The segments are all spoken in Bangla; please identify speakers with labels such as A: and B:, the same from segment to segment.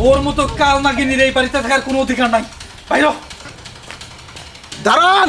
A: ওর মতো কাল নাগিনীর এই বাড়িতে থাকার কোনো অধিকার নাই। বাইরে
B: দাঁড়ান।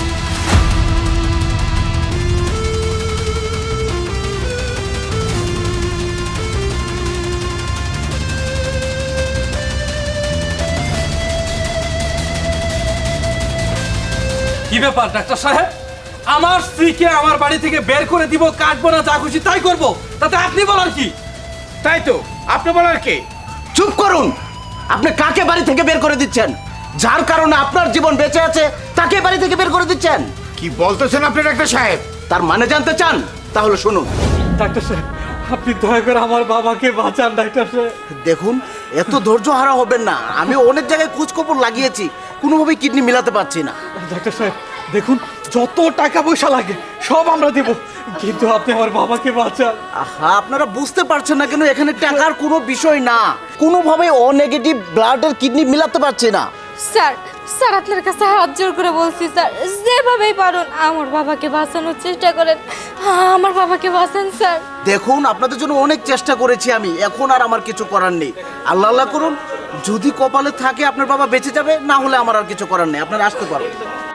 A: কি ব্যাপার ডাক্তার সাহেব? আমার স্ত্রীকে আমার বাড়ি থেকে বের করে দিব, কাটবো না, যা খুশি তাই করব, তাতে আপনি বলার কি?
C: তাই তো, আপনি বলার কে?
B: চুপ করুন। আপনি কাকে বাড়ি থেকে বের করে দিচ্ছেন? যার কারণে আপনার জীবন বেঁচে আছে তাকে বাড়ি থেকে বের করে দিচ্ছেন।
C: কি বলতেছেন আপনি ডাক্তার সাহেব?
B: তার মানে জানতে চান? তাহলে শুনুন।
A: ডাক্তার সাহেব, আপনি দয়া করে আমার বাবাকে বাঁচান ডাক্তার সাহেব।
B: দেখুন, এত ধৈর্য হারা হবেন না। আমি অনেক জায়গায় খোঁজখবর লাগিয়েছি, কোনোভাবেই কিডনি মিলাতে পারছি না।
A: ডাক্তার সাহেব দেখুন, যত টাকা পয়সা লাগে সব আমরা দেব, কিন্তু আপনি আমার বাবাকে বাঁচান।
B: আহা, আপনারা বুঝতে পারছেন না কেন? এখানে টাকার কোনো বিষয় না। কোনোভাবে ও নেগেটিভ ব্লাডের কিডনি মিলাতে পারছি না।
D: স্যার স্যার আপনার কাছে হাত জোর করে বলছি স্যার, যেভাবেই পারুন আমার বাবাকে বাঁচানোর চেষ্টা করেন, আমার বাবাকে বাঁচান স্যার।
B: দেখুন, আপনাদের জন্য অনেক চেষ্টা করেছি আমি, এখন আর আমার কিছু করার নেই। আল্লাহ আল্লাহ করুন, যদি কপালে থাকে আপনার বাবা বেঁচে যাবে, না হলে আমার আর কিছু করার নেই। আপনারা আসতে পারেন।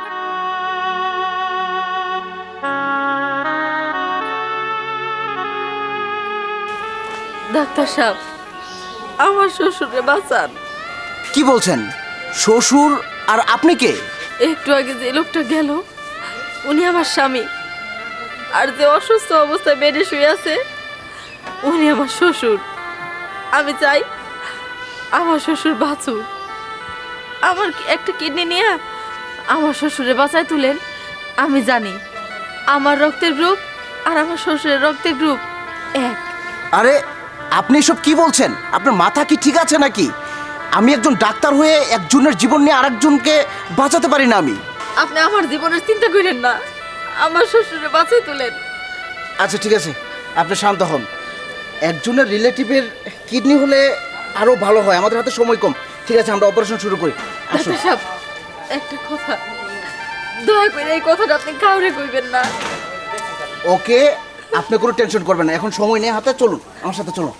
D: ডাক্তার সাহেব, আমার শ্বশুরে বাঁচান।
B: কি বলছেন? শ্বশুর? আর আপনি কে?
D: একটু আগে যে লোকটা গেল উনি আমার স্বামী, আর যে অসুস্থ অবস্থায় বেডে শুয়ে আছে উনি আমার শ্বশুর। আমি চাই আমার শ্বশুর বাঁচুক। আমার একটা কিডনি নিয়ে আমার শ্বশুরে বাঁচায় তুলেন। আমি জানি আমার রক্তের গ্রুপ আর আমার শ্বশুরের রক্তের গ্রুপ এক।
B: আরে আপনি এসব কি বলছেন? আপনার মাথা কি ঠিক আছে নাকি? আমি একজন ডাক্তার হয়ে একজনের জীবন নিয়ে আরেকজনকে বাঁচাতে পারি না আমি?
D: আপনি আমার জীবনের চিন্তা করেন না, আমার শ্বশুরে বাঁচায় তুলেন।
B: আচ্ছা ঠিক আছে, আপনি শান্ত হন। একজনের রিলেটিভের কিডনি হলে আরো ভালো হয়, আমাদের হাতে সময় কম। ঠিক আছে, আমরা অপারেশন শুরু করি। আসুন।
D: ডাক্তার সাহেব, একটা কথা, দয়া করে এই কথাটা আপনি কাউরে কইবেন না।
B: ওকে, আপনি কোনো টেনশন করবেন না, এখন সময় নেই হাতে। চলুন আমার সাথে, চলুন।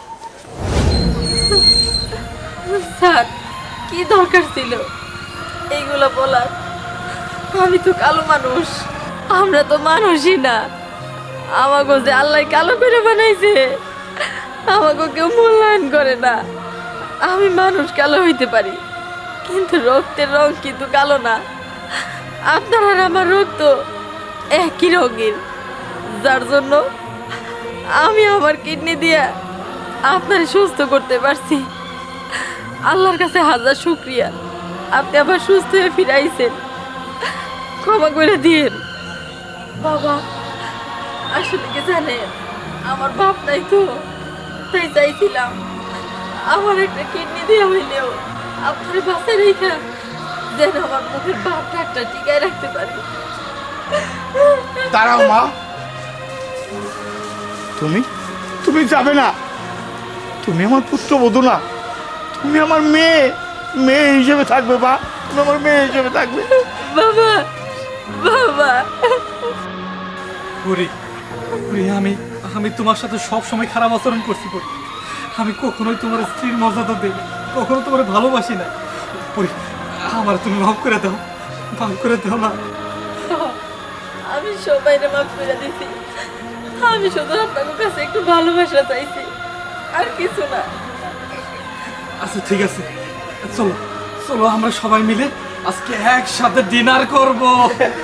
D: স্যার, কি দরকার ছিল এইগুলো বলার? আমি তো কালো মানুষ, আমরা তো মানুষই না। আমাকে যে আল্লাহ কালো করে বানাইছে, আমাকে কেউ মূল্যায়ন করে না। আমি মানুষ কালো হইতে পারি, কিন্তু রক্তের রং কিন্তু কালো না। আপনার আর আমার রক্ত একই রঙের, যার জন্য আমি আমার কিডনি দিয়ে আপনার সুস্থ করতে পারছি। আল্লাহর কাছে হাজার শুকরিয়া, আপনি আবার সুস্থ হয়ে ফিরাইছেন। ক্ষমা করে দিন বাবা। আসলে কি জানেন, আমার বাপ নাই তো, তাই চাইছিলাম আমার একটা কিডনি দিয়ে হইলেও আপনার বাসায় রেখা যেন আমার মুখের বাপটা একটা টিকায় রাখতে পারি।
C: দাঁড়াও মা, তুমি তুমি যাবে না। তুমি আমার পুত্রবধূ না, তুমি আমার মেয়ে। মেয়ে হিসেবে থাকবে মা, তুমি আমার মেয়ে হিসেবে থাকবে।
D: বাবা, বাবা,
A: বুড়ি বুড়ি, আমি আমি তোমার সাথে সব সময় খারাপ আচরণ করছি বুড়ি। আমি কখনোই তোমার স্ত্রীর মর্যাদা দেই, কখনো তোমার ভালোবাসি না বুড়ি। আমার তুমি মাফ করে দাও, মাফ করে দাও না।
D: আমি সবাইরে মাফ করে দিছি। আমি শুধু আপনার কাছে একটু ভালোবাসা চাইছি, আর কিছু না।
A: আচ্ছা ঠিক আছে, চলো চলো আমরা সবাই মিলে আজকে একসাথে ডিনার করব।